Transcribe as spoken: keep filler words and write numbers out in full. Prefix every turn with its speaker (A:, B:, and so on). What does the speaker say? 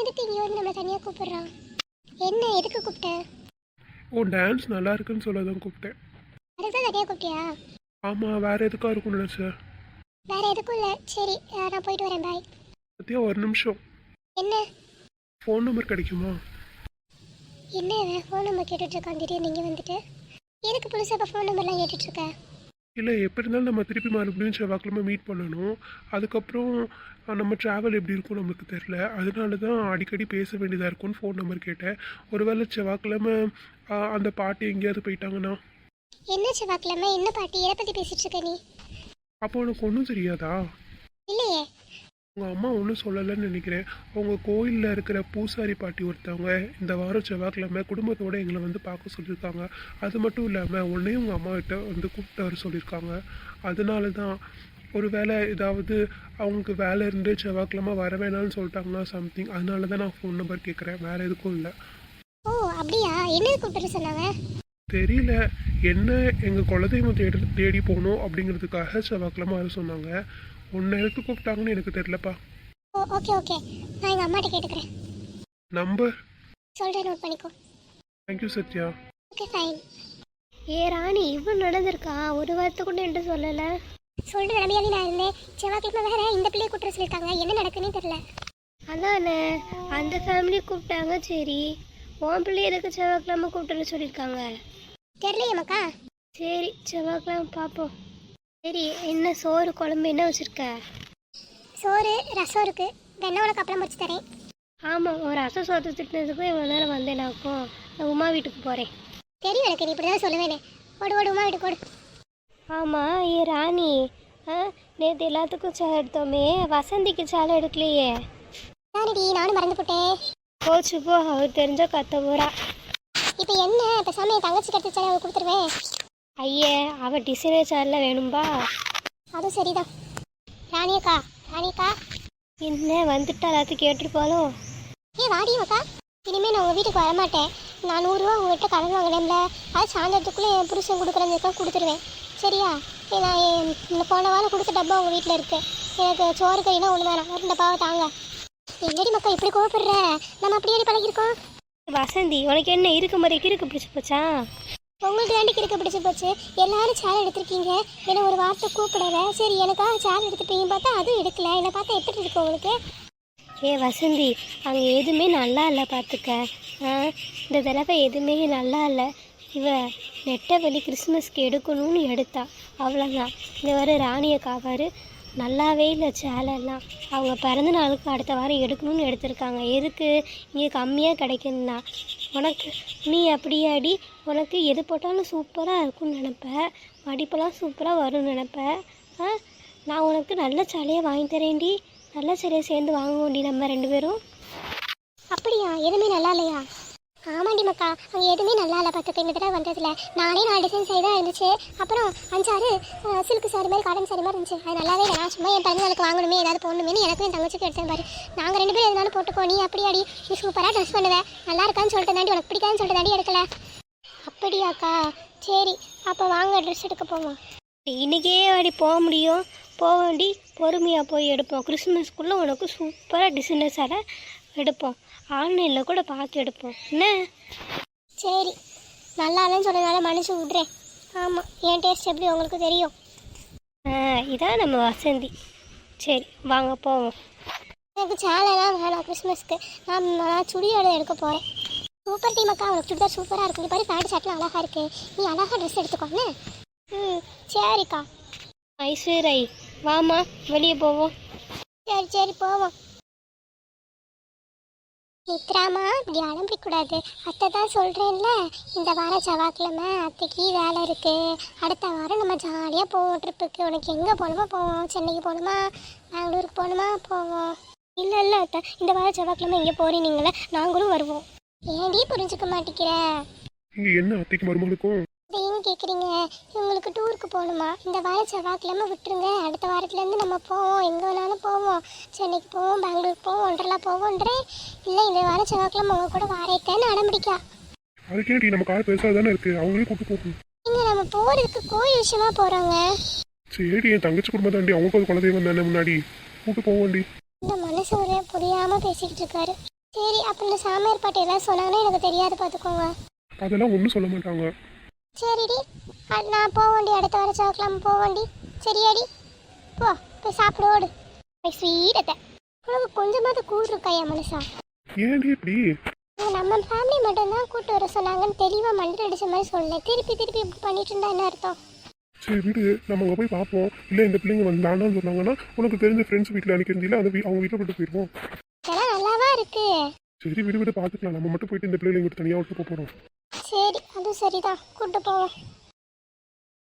A: எதுக்கு இங்கே வந்து நம்மளை தனியாக கூப்பிடுறான்? என்ன எதுக்கு கூப்பிட்டேன்?
B: ஓ, டான்ஸ் நல்லா இருக்குன்னு சொல்ல தான் கூப்பிட்டேன்.
A: அதுக்கு தான் தனியாக கூப்பிட்டியா?
B: ஆமாம், வேற எதுக்காக இருக்கும்னு நினச்சேன்.
A: வேற எதுக்கும் இல்லை. சரி நான் போயிட்டு வரேன். பாய்.
B: சத்யா, ஒரு நிமிஷம்.
A: என்ன?
B: ஃபோன் நம்பர் கிடைக்குமா?
A: என்ன ஃபோன் நம்பர் கேட்டுட்ருக்கான் திடீர்னு நீங்கள் வந்துட்டு? எதுக்கு புதுசாக இப்போ ஃபோன் நம்பர்லாம் கேட்டுட்ருக்க?
B: இல்லை, எப்படி இருந்தாலும் நம்ம திருப்பி மறுபடியும் செவ்வாய்க்கிழமை மீட் பண்ணணும். அதுக்கப்புறம் நம்ம ட்ராவல் எப்படி இருக்கும் நம்மளுக்கு தெரில. அதனால தான் அடிக்கடி பேச வேண்டியதாக இருக்கும்னு ஃபோன் நம்பர் கேட்டேன். ஒருவேளை செவ்வாய்க்கிழமை அந்த பாட்டி எங்கேயாவது போயிட்டாங்கன்னா?
A: என்ன செவ்வாய்க்கிழமை? என்ன பாட்டி? எதை பற்றி பேசிகிட்டு இருக்க நீ?
B: அப்போ உனக்கு ஒன்றும் தெரியாதா?
A: இல்லையே.
B: உங்கள் அம்மா ஒன்றும் சொல்லலைன்னு நினைக்கிறேன். உங்கள் கோயிலில் இருக்கிற பூசாரி பாட்டி ஒருத்தவங்க இந்த வாரம் செவ்வாய்க்கிழமை குடும்பத்தோடு எங்களை வந்து பார்க்க சொல்லியிருக்காங்க. அது மட்டும் இல்லாமல் உன்னையும் உங்கள் அம்மா கிட்ட வந்து கூப்பிட்டு வர சொல்லியிருக்காங்க. அதனால தான் ஒரு வேளை ஏதாவது அவங்களுக்கு வேலை இருந்து செவ்வாய்க்கிழமை வர வேணாம்னு சொல்லிட்டாங்கன்னா சம்திங். அதனால தான் நான் ஃபோன் நம்பர் கேட்குறேன், வேறு எதுக்கும் இல்லை.
A: ஓ அப்படியா? என்ன கூப்பிட்டு சொன்னாங்க?
B: தெரியல, என்ன எங்கள் குலதெய்வம் தேடி தேடி போகணும் அப்படிங்கிறதுக்காக செவ்வாய்க்கிழமை வர சொன்னாங்க. ஒன்று எடுத்து கூப்பிட்டாங்கன்னு எனக்கு தெரியலப்பா.
A: ஓ ஓகே ஓகே, நான் எங்கள் அம்மாட்ட கேட்டுக்கிறேன்.
B: நம்பர்
A: சொல்கிறேன், நோட் பண்ணிக்கோ.
B: தேங்க்யூ சத்யா.
A: Okay fine.
C: ஏ ராணி, இவ்வளோ நடந்திருக்கா? ஒரு வாரத்தை கூட என்கிட்ட சொல்லலை.
A: சொல்கிற நிலைமையாலே நான் இருந்தேன். செவ்வாய்க்கிழமை வேற இந்த பிள்ளையை கூப்பிட்டு சொல்லியிருக்காங்க. என்ன நடக்குன்னே தெரியல.
C: அதானே, அந்த ஃபேமிலி கூப்பிட்டாங்க. சரி, உன் பிள்ளை எதுக்கு செவ்வாய்க்கிழமை கூப்பிட்டுன்னு சொல்லியிருக்காங்க?
A: தெரியலையே மக்கா.
C: சரி, செவ்வாய்க்கிழமை பார்ப்போம். சரி, என்ன சோறு குழம்பு என்ன வச்சுருக்க?
A: சோறு ரசம் இருக்குது. வெண்ணெய் உனக்கு அப்புறம் வச்சு தரேன்.
C: ஆமாம், ஒரு ரசம் சோத்து திட்டினதுக்கும் இவ்வளோ நேரம் வந்தேனாக்கும். நான் உமா வீட்டுக்கு போகிறேன்.
A: தெரியும் எனக்கு, நீ இப்படி தான் சொல்லுவேனே. ஓடு ஓடு உமா வீட்டுக்கு ஓடு.
C: ஆமாம், ஏ ராணி, ஆ நேற்று எல்லாத்துக்கும் சேலை எடுத்தோமே, வசந்திக்கு சேலை எடுக்கலையே.
A: நானடி, நானும் மறந்து போட்டேன்.
C: போச்சு போ, அவர் தெரிஞ்ச கத்த போகிறா.
A: இப்போ என்ன, பேசாமல் என் தங்கச்சி கட்டு சேலை அவள் கொடுத்துருவேன்.
C: ஐயே, அவள் டிசைனர் சேலை வேணும்பா.
A: அதுவும் சரிதான். ராணியக்கா, ராணியக்கா
C: என்ன வந்துட்டா எல்லாத்தையும் கேட்டிருப்பாளோ?
A: ஏ வாடி மக்கா. இனிமேல் நான் உங்கள் வீட்டுக்கு வரமாட்டேன். நான் நூறுரூவா உங்கள்கிட்ட கடன் வாங்கினேன்ல, அது சாயந்தரத்துக்குள்ளே என் புருஷன் கொடுக்குறதுக்கெல்லாம் கொடுத்துருவேன். சரியா? நான் இந்த போன வாரம் கொடுத்த டப்பா உங்கள் வீட்டில் இருக்குது. எனக்கு சோறு கறினா ஒன்று வேணாம், ஒரு டப்பாவை தாங்க. என்னடி மக்கா இப்படி கோவப்படுற? நம்ம அப்படியே பழகிருக்கோம்.
C: வசந்தி, உனக்கு என்ன இருக்கு மாதிரி இருக்கு பிடிச்சி போச்சா?
A: உங்களுக்கு தாண்டி கிறுக்க பிடிச்சி போச்சு. எல்லாரும் சேலை எடுத்திருக்கீங்க, என்னை ஒரு வார்த்தை கூப்பிடல. சரி, எனக்காக சேலை எடுத்துப்பீங்க பார்த்தா அதுவும் எடுக்கல. என்னை பார்த்தா எப்படி இருக்கு உங்களுக்கு?
C: ஏ வசந்தி, அங்கே எதுவுமே நல்லா இல்லை பார்த்துக்க. ஆ இந்த தடவை எதுவுமே நல்லா இல்லை. இவ நெட்டை வெளி கிறிஸ்மஸ்க்கு எடுக்கணும்னு எடுத்தா, அவ்வளோதான். இந்த வர ராணியை காவாரு நல்லாவே இல்லை சேலைலாம். அவங்க பிறந்த நாளுக்கு அடுத்த வாரம் எடுக்கணும்னு எடுத்திருக்காங்க. எதுக்கு? இங்கே கம்மியாக கிடைக்குன்னா. உனக்கு நீ அப்படியாடி, உனக்கு எது போட்டாலும் சூப்பராக இருக்கும்னு நினப்ப, மடிப்பெல்லாம் சூப்பராக வரும்னு நினப்ப. ஆ நான் உனக்கு நல்ல சேலையை வாங்கி தரேன்டி. நல்ல சேலையை சேர்ந்து வாங்குவோண்டி நம்ம ரெண்டு பேரும்.
A: அப்படியா? எதுவுமே நல்லா இல்லையா? ஆமாண்டி மக்கா, அங்கே எதுவுமே நல்லா இல்லை பார்த்துக்க. இந்த தடவை வந்ததில்ல நானே நாலு டிசைன் சாரி தான் இருந்துச்சு. அப்புறம் அஞ்சாறு சில்க் சாரி மாதிரி காட்டன் சாரி மாதிரி இருந்துச்சு. அது நல்லாவே இல்லை. நான் சும்மா என் பிறந்தநாளுக்கு வாங்கணுமே, ஏதாவது போடணுமே எனக்கும் என் தங்கச்சிக்கு எடுத்தேன் பாரு. நாங்கள் ரெண்டு பேரும் எதுனாலும் போட்டுக்கோ. நீ அப்படியாடி, நீ சூப்பராக ட்ரெஸ் பண்ணுவேன், நல்லா இருக்கான்னு சொல்லிட்டு தாண்டி, உனக்கு பிடிக்காதுன்னு சொல்லிட்டு தாண்டி எடுக்கல. அப்படியாக்கா? சரி, அப்போ வாங்க ட்ரெஸ் எடுக்க போவோம்.
C: இன்றைக்கே வாடி போக முடியும்? போவேண்டி, பொறுமையாக போய் எடுப்போம். கிறிஸ்மஸ்க்குள்ளே உனக்கு சூப்பராக டிசைனர் சேலை எடுப்போம். ஆன்லைனில் கூட பார்த்து எடுப்போம். என்ன?
A: சரி, நல்லா இல்லைன்னு சொன்னதுனால மனுஷன் விட்றேன். ஆமாம், என் டேஸ்ட் எப்படி உங்களுக்கு தெரியும்.
C: ஆ இதான் நம்ம வசந்தி. சரி வாங்க போவோம்.
A: எனக்கு சேலைலாம் வேணாம் கிறிஸ்மஸ்க்கு. நான் நான் சுடியோட எடுக்க போகிறேன். சூப்பர் டீம் அக்கா, உனக்கு சுடிதார் சூப்பராக இருக்கும். இது பாரு, பேண்ட் ஷர்ட்லாம் அழகாக இருக்குது. நீ அழகாக ட்ரெஸ் எடுத்துக்கோங்க. ம் சரிக்கா.
C: ஐஸ்வர்யை வாமா, வெளியே போவோம்.
A: சரி சரி போவோம். நித்ராமா, இப்படி அலம்பிக்கூடாது. அத்தை தான் சொல்கிறேன்ல, இந்த வாரம் செவ்வாய்க்கிழமை அத்தைக்கு வேலை இருக்குது. அடுத்த வாரம் நம்ம ஜாலியாக போவோம் ட்ரிப்புக்கு. உனக்கு எங்கே போகணுமா போவோம். சென்னைக்கு போகணுமா, பெங்களூருக்கு போகணுமா போவோம். இல்லை இல்லை அத்தை, இந்த வாரம் செவ்வாய்க்கிழமை எங்கே போகிறீங்களே, நாங்களும் வருவோம். ஏன்டி புரிஞ்சுக்க மாட்டேங்கிற?
B: இங்கே என்ன அத்தைக்கு மருமகளுக்கும்
A: ஏன்னு கேட்குறீங்க? இவங்களுக்கு டூருக்கு போகணுமா? இந்த வாரம் செவ்வாய்க்கிழமை விட்டுருங்க. அடுத்த வாரத்துலேருந்து நம்ம போவோம், எங்கே வேணாலும் போவோம். சென்னைக்கு போவோம், பெங்களூருக்கு போவோம், ஒன்றரை போவோன்றேன். இல்லை, இந்த வாரம் செவ்வாய்க்கிழமை உங்க கூட வாரேக்கன்னு அடம்பிடிக்கா.
B: அதுக்கேடி நம்ம கார் பெருசாக தானே இருக்குது, அவங்களே கூப்பிட்டு போகும்.
A: இங்கே நம்ம போகிறதுக்கு கோயில் விஷயமா போகிறாங்க.
B: சரி, என் தங்கச்சி குடும்பம் தாண்டி, அவங்க ஒரு குலதெய்வம் தானே முன்னாடி கூப்பிட்டு போவோண்டி.
A: இந்த மனசு ஒரு புரியாமல் பேசிக்கிட்டு இருக்காரு. சரி அப்போ இந்த சாமியார் பாட்டி எல்லாம் சொன்னாங்கன்னா எனக்கு தெரியாது பார்த்துக்கோங்க.
B: அதெல்லாம் ஒன்றும் சொல்ல மாட்டாங்க.
A: சரிடி, அது நான் போக வேண்டி அடுத்த வர சாக்கலாம் போக வேண்டி. சரியாடி, போ போய் சாப்பிட ஓடு. ஸ்வீட்டத்தை உனக்கு கொஞ்சமாவது கூழ் இருக்காயா மனுஷா?
B: ஏன்டி இப்படி?
A: இங்க நம்ம ஃபேமிலி மட்டும்தான் கூட்டு வர சொன்னாங்கன்னு தெளிவாக மண்டல் அடிச்ச மாதிரி சொல்லலை. திருப்பி திருப்பி இப்படி பண்ணிட்டு இருந்தா என்ன அர்த்தம்?
B: சரி விடு, நம்ம அங்கே போய் பார்ப்போம். இல்லை இந்த பிள்ளைங்க வந்து வேண்டாம்னு சொன்னாங்கன்னா உனக்கு தெரிஞ்ச ஃப்ரெண்ட்ஸ் வீட்டில் அனுப்பியிருந்தில்ல அந்த வீ அவங்க வீட்டில் போட்டு போயிடுவோம்.
A: இதெல்லாம் நல்லாவா இருக்கு?
B: சரி விடு விடு பார்த்துக்கலாம். நம்ம மட்டும் போயிட்டு இந்த பிள்ளைங்க தனியாக விட்டு போக போகிறோம்.
A: சரி அது சரிதான், கூட்டு போவோம்.